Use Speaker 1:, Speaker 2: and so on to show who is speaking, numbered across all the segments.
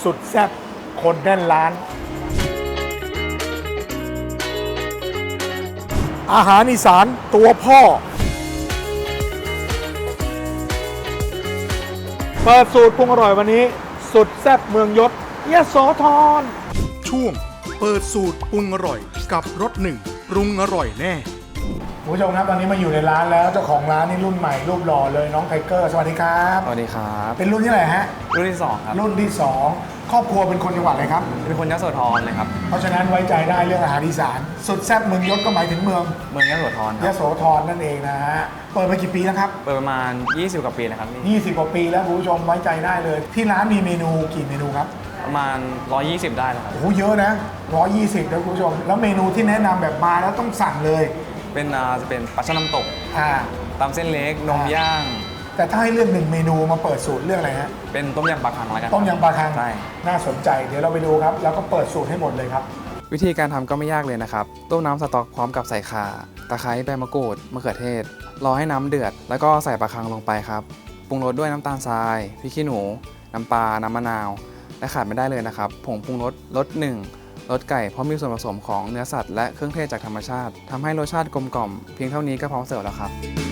Speaker 1: สุดแซ่บคนแน่นร้าน อาหารอีสานตัวพ่อ เปิดสูตรปรุงอร่อยวันนี้ สุดแซ่บเมืองยศยโสธรช่วงเปิดสูตรปรุงอร่อยกับรสหนึ่งปรุงอร่อยแน่คุณผู้ชมครับตอนนี้มาอยู่ในร้านแล้วเจ้าของร้านนี่รุ่นใหม่รูปหล่อเลยน้องไทเกอร์สวัสดีครับ
Speaker 2: สวัสดีครับ
Speaker 1: เป็นรุ่นที่ไหนฮะ
Speaker 2: รุ่นที่2ครับ
Speaker 1: รุ่นที่ 2 ครอบครัวเป็นคนจังหวัดอะไรครับ
Speaker 2: เป็นคนยโสธรเลยครับ
Speaker 1: เพราะฉะนั้นไว้ใจได้เรื่องอาหารอีสานสุดแซ่บเมืองยศก็หมายถึงเมือง
Speaker 2: เมืองยโสธรค
Speaker 1: ย
Speaker 2: รับ
Speaker 1: โสธรนั่นเองนะฮะเปิดมากี่ปีแล้วครับ
Speaker 2: เปิดประมาณ 20 กว่าปีนะครับนี่
Speaker 1: 20 กว่าปีแล้วคุณผู้ชมไว้ใจได้เลย ที่ร้านมีเมนูกี่เมนูครับ
Speaker 2: ประมาณ 120 ได้แล้วครับ
Speaker 1: โอ้โหเยอะนะ120นะคุณผู้ชมแล้วเมนูที่แนะนำแบบมาแล้วต้องสั่งเลย
Speaker 2: เป็นจะเป็นปลาช่อนน้ำตก
Speaker 1: อ่า
Speaker 2: ตำเส้นเล็กนมย่าง
Speaker 1: แต่ถ้าให้เลือกหนึ่งเมนูมาเปิดสูตรเรื่องอะไรฮะ
Speaker 2: เป็นต้มยำปลาคังแล้วกัน
Speaker 1: ต้มยำปลาคัง
Speaker 2: ใช่
Speaker 1: น่าสนใจเดี๋ยวเราไปดูครับแล้วก็เปิดสูตรให้หมดเลยครับ
Speaker 2: วิธีการทำก็ไม่ยากเลยนะครับ ต้มน้ำสต๊อกพร้อมกับใส่ข่า ตะไคร้ใบมะกรูด มะเขือเทศ รอให้น้ำเดือด แล้วก็ใส่ปลาคังลงไปครับ ปรุงรสด้วยน้ำตาลทราย พริกขี้หนู น้ำปลา น้ำมะนาว และขาดไม่ได้เลยนะครับ ผงปรุงรสรสหนึ่งรสไก่เพราะมีส่วนผสมของเนื้อสัตว์และเครื่องเทศจากธรรมชาติทำให้รสชาติกลมกล่อมเพียงเท่านี้ก็พร้อมเสิร์ฟแล้วครับ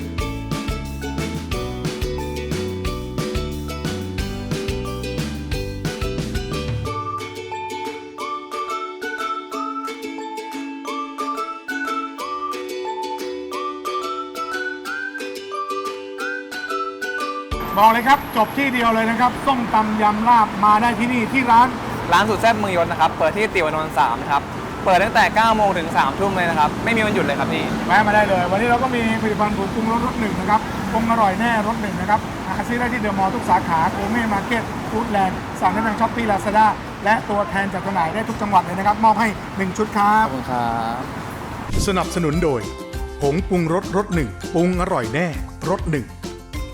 Speaker 1: บอกเลยครับจบที่เดียวเลยนะครับส้มตำยำลาบมาได้ที่นี่ที่ร้าน
Speaker 2: ร้านสุดแซ่บเมืองยศนะครับ เปิดที่ติวานนท์3นะครับ เปิดตั้งแต่ 9 โมงถึง 3 ทุ่มเลยนะครับ ไม่มีวันหยุดเลยครับนี่
Speaker 1: แวะมาได้เลย วันนี้เราก็มีผลิตภัณฑ์ผงปรุงรสรสหนึ่งนะครับปรุงอร่อยแน่รสหนึ่งนะครับหาซื้อได้ที่เดอะมอลล์ทุกสาขาโกเม่มาร์เก็ตฟู้ดแลนด์สั่งได้ทางช้อปปี้ลาซาด้าและตัวแทนจัดจำหน่ายได้ทุกจังหวัดเลยนะครับ มอบให้ 1 ชุดครั
Speaker 2: ข
Speaker 1: บ
Speaker 2: อบคุณครับ
Speaker 3: สนับสนุนโดยผงปรุงรสรสหนึ่งปรุงอร่อยแน่รสหนึ่ง